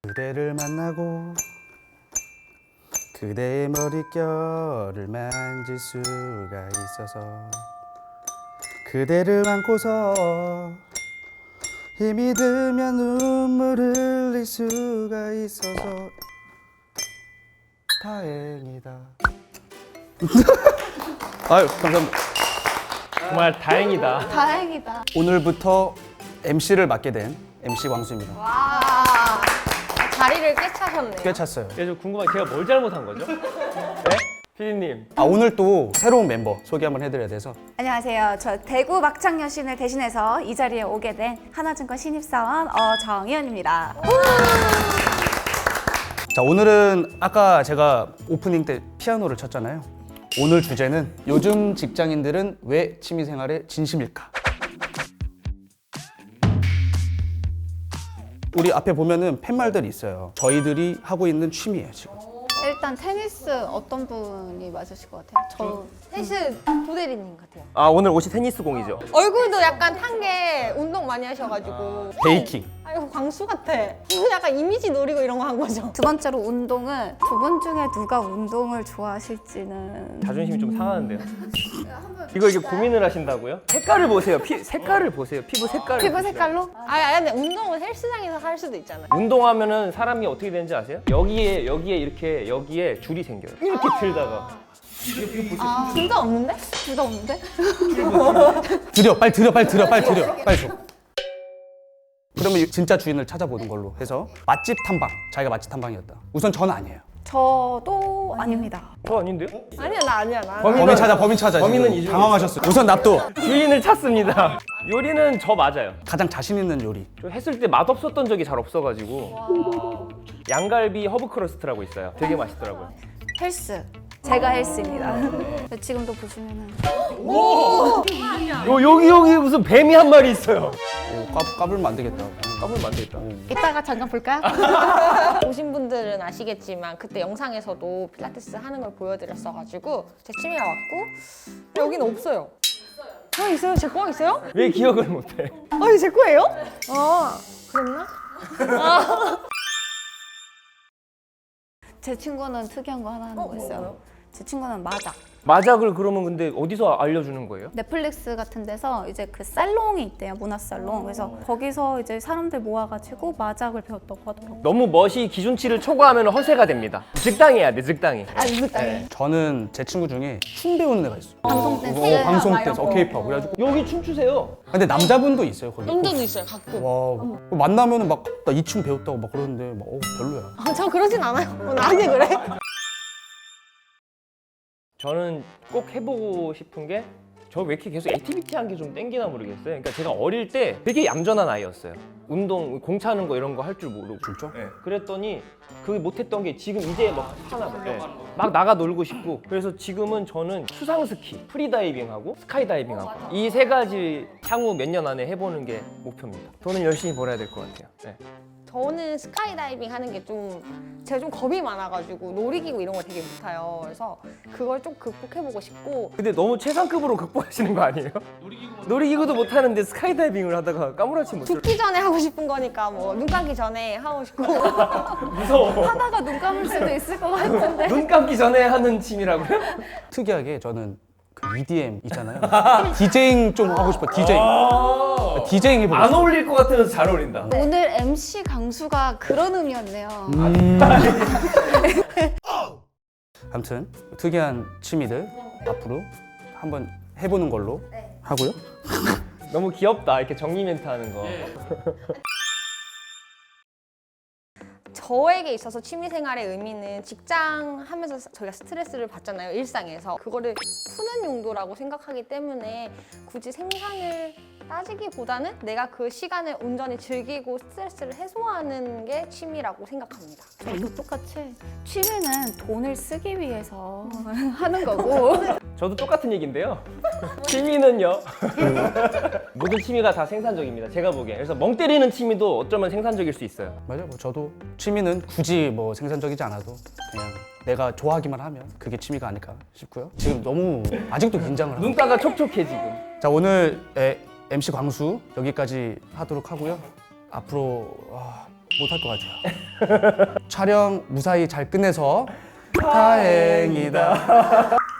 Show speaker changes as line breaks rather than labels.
그대를 만나고 그대의 머릿결을 만질 수가 있어서 그대를 안고서 힘이 들면 눈물을 흘릴 수가 있어서 다행이다. 아유 감사합니다.
정말 다행이다.
다행이다.
오늘부터 MC를 맡게 된 MC 광수입니다.
와, 자리를 꿰차셨네요.
꿰찼어요.
저 궁금한 게 제가 뭘 잘못한 거죠? 네? 피디님.
오늘 또 새로운 멤버 소개 한번 해드려야 돼서.
안녕하세요. 저 대구 막창 여신을 대신해서 이 자리에 오게 된 하나증권 신입사원 정희연입니다.
자, 오늘은 아까 제가 오프닝 때 피아노를 쳤잖아요. 오늘 주제는 요즘 직장인들은 왜 취미생활에 진심일까? 우리 앞에 보면은 팻말들이 있어요. 저희들이 하고 있는 취미예요, 지금.
일단 테니스 어떤 분이 맞으실 것 같아요? 저
헬스 도대리님 같아요.
아 오늘 옷이 테니스 공이죠?
얼굴도 약간 탄 게 운동 많이 하셔가지고.
베이킹.
아이고 광수 같아. 약간 이미지 노리고 이런 거 한 거죠.
두 번째로 운동은 두 분 중에 누가 운동을 좋아하실지는
자존심이 좀 상하는데요. 이거 이게 고민을 하신다고요? 색깔을 보세요. 색깔을 보세요. 피부 색깔을.
피부
보세요.
색깔로?
아니 근데 운동은 헬스장에서 할 수도 있잖아요.
운동하면은 사람이 어떻게 되는지 아세요? 여기에 이렇게 여기에 줄이 생겨요. 이렇게 들다가.
둘 다 없는데?
둘 다 없는데?
빨리 들여. 빨리 줘. 그러면 진짜 주인을 찾아보는 걸로 해서 맛집 탐방. 자기가 맛집 탐방이었다. 우선 저는 아니에요.
저도 아닙니다.
저 아닌데요?
아니야 나 아니야 나.
범인 찾아.
범인은
지금.
이중에
당황하셨어요. 우선 납도.
주인을 찾습니다. 요리는 저 맞아요.
가장 자신 있는 요리.
저 했을 때 맛없었던 적이 잘 없어가지고. 양갈비 허브 크러스트라고 있어요. 되게 맛있더라고요.
헬스. 제가 헬스입니다. 지금도 보시면은
여기 무슨 뱀이 한 마리 있어요.
까불면 안 되겠다.
까불면 안 되겠다.
이따가 잠깐 볼까요?
보신 분들은 아시겠지만 그때 영상에서도 필라테스 하는 걸 보여드렸어가지고 제 취미가 왔고 여기는 없어요. 있어요? 제 거 있어요?
왜 기억을 못해?
아니 제 거예요? 그랬나?
제 친구는 특이한 거 하나 하는 거 있어요.
뭐요?
제 친구는 마작.
마작을 그러면 근데 어디서 알려주는 거예요?
넷플릭스 같은 데서 이제 그 살롱이 있대요. 문화 살롱. 그래서 거기서 이제 사람들 모아가지고 마작을 배웠다고 하더라고요.
너무 멋이 기준치를 초과하면 허세가 됩니다. 즉당해야 돼, 즉당해.
저는 제 친구 중에 춤 배우는 애가 있어요.
방송 댄스.
방송 댄스, 케이팝. 그래가지고
여기 춤추세요.
근데 남자분도 있어요 거기.
남자도 있어요 가끔.
와 만나면은 막 나 이 춤 배웠다고 막 그러는데 막 별로야.
저 그러진 않아요. 나한테 그래?
저는 꼭 해보고 싶은 게 저 왜 이렇게 계속 액티비티한 게 좀 땡기나 모르겠어요. 그러니까 제가 어릴 때 되게 얌전한 아이였어요. 운동, 공 차는 거 이런 거 할 줄 모르고.
진짜?
네. 그랬더니 그 못했던 게 지금 이제 막 하나 봐. 네. 막 나가 놀고 싶고. 그래서 지금은 저는 수상 스키, 프리다이빙하고 스카이다이빙하고 이 세 가지 향후 몇 년 안에 해보는 게 목표입니다. 돈을 열심히 벌어야 될 것 같아요. 네.
저는 스카이다이빙 하는 게 제가 좀 겁이 많아가지고 놀이기구 이런 거 되게 못 타요. 그래서 그걸 좀 극복해보고 싶고
근데 너무 최상급으로 극복하시는 거 아니에요? 놀이기구도 못 하는데 스카이다이빙을 하다가 까무라치 못
죽기 전에 하고 싶은 거니까 뭐 눈 감기 전에 하고 싶고
무서워.
하다가 눈 감을 수도 있을 것 같은데.
눈 감기 전에 하는 취미라고요?
특이하게 저는 그 EDM 있잖아요. 디제잉 좀 하고 싶어. 디제잉 해보고
안
싶어.
어울릴 것 같으면서 잘 어울린다.
오늘 MC 강수가 그런 의미였네요.
아무튼 특이한 취미들 앞으로 한번 해보는 걸로 하고요.
너무 귀엽다. 이렇게 정리 멘트 하는 거.
저에게 있어서 취미생활의 의미는 직장 하면서 저희가 스트레스를 받잖아요 일상에서 그거를 푸는 용도라고 생각하기 때문에 굳이 생산을 따지기보다는 내가 그 시간을 온전히 즐기고 스트레스를 해소하는 게 취미라고 생각합니다.
저도 똑같이 취미는 돈을 쓰기 위해서 하는 거고
저도 똑같은 얘기인데요. 취미는요. 모든 취미가 다 생산적입니다. 제가 보기엔. 그래서 멍 때리는 취미도 어쩌면 생산적일 수 있어요.
맞아요. 뭐 저도 취미는 굳이 뭐 생산적이지 않아도 그냥 내가 좋아하기만 하면 그게 취미가 아닐까 싶고요. 지금 너무 아직도 긴장을 하고.
눈가가 촉촉해 지금.
자 오늘 MC 광수 여기까지 하도록 하고요. 앞으로 못할 것 같아요. 촬영 무사히 잘 끝내서 다행이다.